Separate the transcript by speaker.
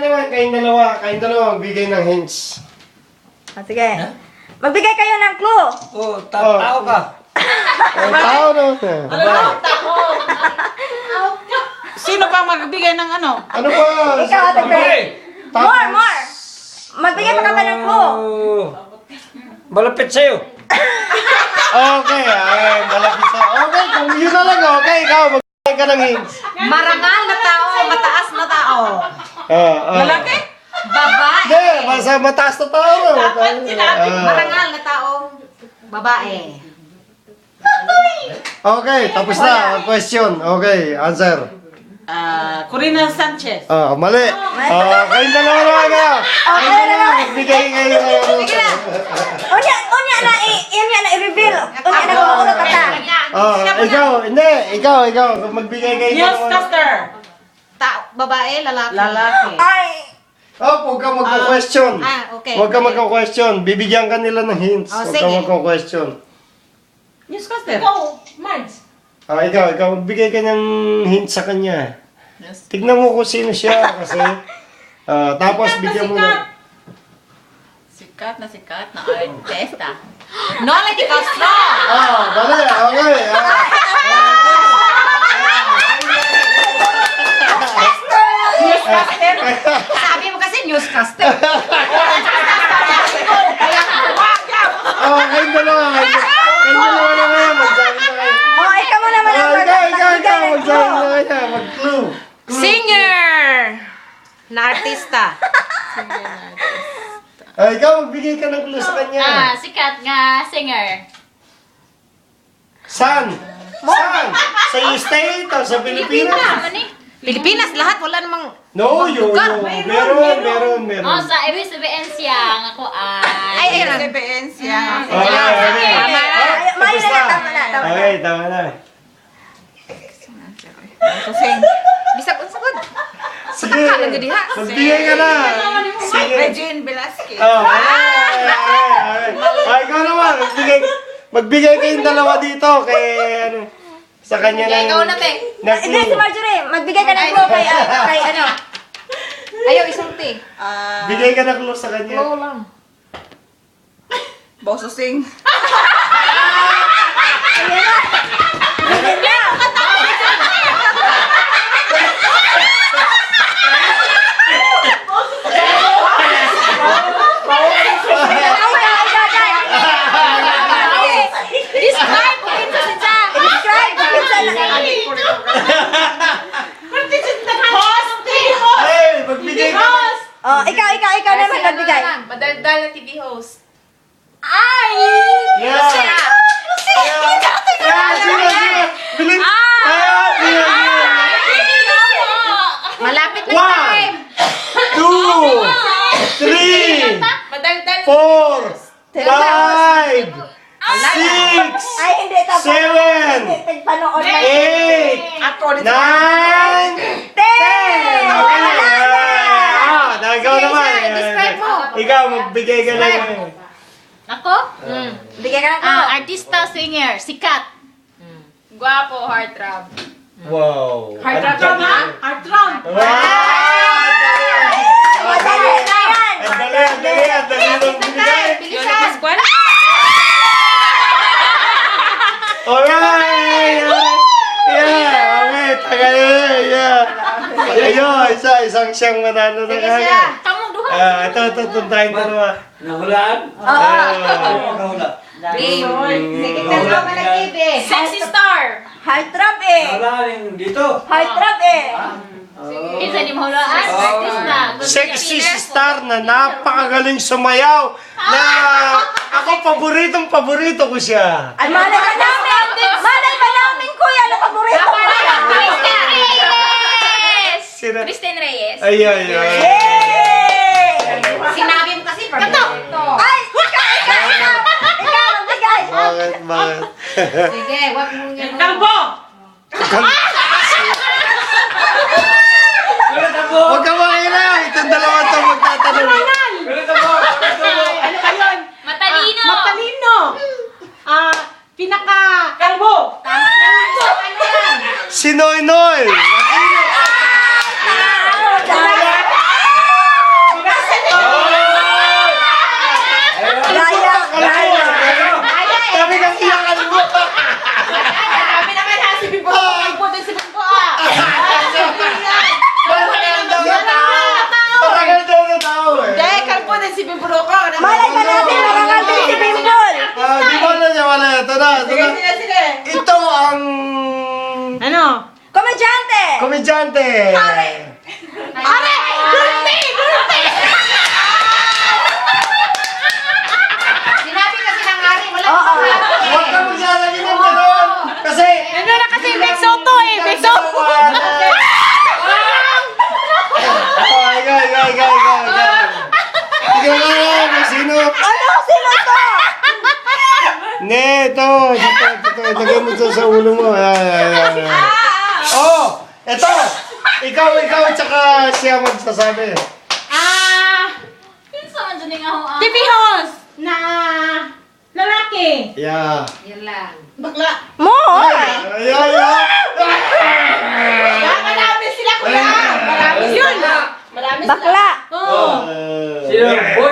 Speaker 1: naman, kayong dalawa, magbigay ng hints.
Speaker 2: Sige. Magbigay kayo ng clue.
Speaker 3: Tao ka.
Speaker 1: Tao no?
Speaker 4: Sino pa magbigay ng ano?
Speaker 1: Ano ba?
Speaker 2: Ikaw, Ate Fred. More. Magbigay pa kami ng clue.
Speaker 3: Malapit sa'yo.
Speaker 1: Okay, malapit sa... Okay, kung yun na lang, okay, ikaw, magbigay ka ng hints.
Speaker 4: Marangal na tao, mataas na tao. Lalaki? Babae.
Speaker 1: Hindi, basta mataas na tao.
Speaker 4: Marangal na tao, babae.
Speaker 1: Okay, tapos na. Question. Okay, answer.
Speaker 4: Corina Sanchez.
Speaker 1: Mali. Kayong dalawa naman kayo. Kayong dalawa, magbigay kayo.
Speaker 2: Sige na. Unya na i-reveal. Unya na kung ano kata.
Speaker 1: Ikaw. Magbigay kayo.
Speaker 4: Newscaster. Babae, lalaki.
Speaker 2: Ay.
Speaker 1: Huwag ka magka-question.
Speaker 4: Okay.
Speaker 1: Huwag ka magka-question. Bibigyan ka nila ng hints. Huwag ka
Speaker 4: sige.
Speaker 1: magka-question.
Speaker 4: Newscaster.
Speaker 1: Ikaw, magbigay ka ng hints sa kanya. Tignan mo kung sino siya kasi tapos bigyan mo na.
Speaker 5: Sikat na artista.
Speaker 4: Nola Di Castro.
Speaker 1: Dali, okay.
Speaker 4: Newscaster. Sabi mo kasi newscaster.
Speaker 1: Kayong dalawa na kayo. Magsabi na kayo.
Speaker 2: Ikaw mo naman ang
Speaker 1: Ikaw. Magsabi na kayo. Mag-clue.
Speaker 4: Singer. Na artista.
Speaker 1: Ikaw, magbigay ka ng clue sa kanya.
Speaker 5: Sikat nga singer.
Speaker 1: Saan? Sa state o sa Pilipinas?
Speaker 4: Pilipinas, lahat. Wala namang...
Speaker 1: No, meron.
Speaker 5: Sa ibig sabihin siya, ako ay...
Speaker 4: Ay,
Speaker 5: siya.
Speaker 2: Tama na.
Speaker 1: Okay, tama na.
Speaker 4: Bisag unsagod.
Speaker 1: Sige, magbigay ka na. Sige.
Speaker 4: Regine Velasquez.
Speaker 1: Ikaw naman, magbigay kayong dalawa dito kay ano, sa kanya ng...
Speaker 4: Ikaw na, te.
Speaker 2: Hindi, si Marjorie. Magbigay ka ng clue kay ano.
Speaker 4: Ayaw, isulti.
Speaker 1: Bigay ka ng clue sa kanya.
Speaker 4: lang.
Speaker 6: Boso Sing.
Speaker 1: Hey, magbigay ka na.
Speaker 2: Ikaw naman magbigay.
Speaker 5: Madaldal na TV host.
Speaker 1: Yeah. Sige. Bilis. Sige.
Speaker 4: Malapit na
Speaker 1: 1, 2, 3,
Speaker 5: Madaldal
Speaker 1: 4, 5, 6,
Speaker 2: Ay, hindi.
Speaker 1: 7,
Speaker 2: Panood na.
Speaker 1: 8, 9, 10. Ikaw naman.
Speaker 4: describe mo.
Speaker 1: Ikaw, magbigay ka lang.
Speaker 5: Ako?
Speaker 2: Bigay ka ng clue.
Speaker 5: Artista, singer, sikat. Guwapo, heartthrob.
Speaker 1: Wow.
Speaker 4: Heartthrob, ha? Heartthrob.
Speaker 2: Madali na yan.
Speaker 1: Dali ng bigay.
Speaker 4: Yolo Pascual.
Speaker 1: Alright! Okay, tagal yeah. Ayun, isang siyang manalo na kagad.
Speaker 5: Kamu duha.
Speaker 1: Ito, tuntahin ko naman.
Speaker 3: Nahulaan? Nakahula.
Speaker 4: Sige, tanaw ka ng TV.
Speaker 5: Sexy star.
Speaker 2: Heartthrob eh.
Speaker 3: Nahulaan dito.
Speaker 2: Heartthrob eh.
Speaker 5: Isa ni mahulaan. Artista.
Speaker 1: Sexy star na napakagaling sumayaw na ako paborito ko siya.
Speaker 2: Ay, malay ka namin. Malay ba namin, kuya? Ano paborito ko?
Speaker 5: Kristen Reyes.
Speaker 1: Sino?
Speaker 5: Kristen Reyes.
Speaker 1: Ay.
Speaker 4: Sinabi mo kasi paborito.
Speaker 2: Ay, ikaw, magbigay.
Speaker 1: Bakit?
Speaker 4: Sige, wag mo yan. Kalbo!
Speaker 1: Huwag ka makilaw. Itong dalawa to magtatanong.
Speaker 4: Ano ka yun?
Speaker 5: Matalino.
Speaker 4: Matalino! Pinaka... Kalbo! Tama na! Ano yan?
Speaker 1: Si Noy Noy. Ate!
Speaker 4: Are! Dulce! Dulce! Sinabi kasi ng Ari, wala
Speaker 2: Oo.
Speaker 1: Huwag ka maglalagay ng gano'n! Kasi...
Speaker 4: Ano na kasi Big Soto eh, Big Soto.
Speaker 1: Ikaw. Ikaw nga, sino?
Speaker 2: Ano? Sino to?
Speaker 1: Ne, ito. Lagay mo ito sa ulo mo. Ayan. Oh, ito. Ikaw, tsaka siya magsasabi.
Speaker 5: Pinsa man dyan yung ako
Speaker 4: TV host na lalaki.
Speaker 1: Yeah.
Speaker 4: Bakla.
Speaker 2: Mo!
Speaker 1: Ayan.
Speaker 4: Marami sila kuya. Marami yun. Marami sila.
Speaker 2: Bakla!
Speaker 4: Oo.
Speaker 3: Sino? Boy!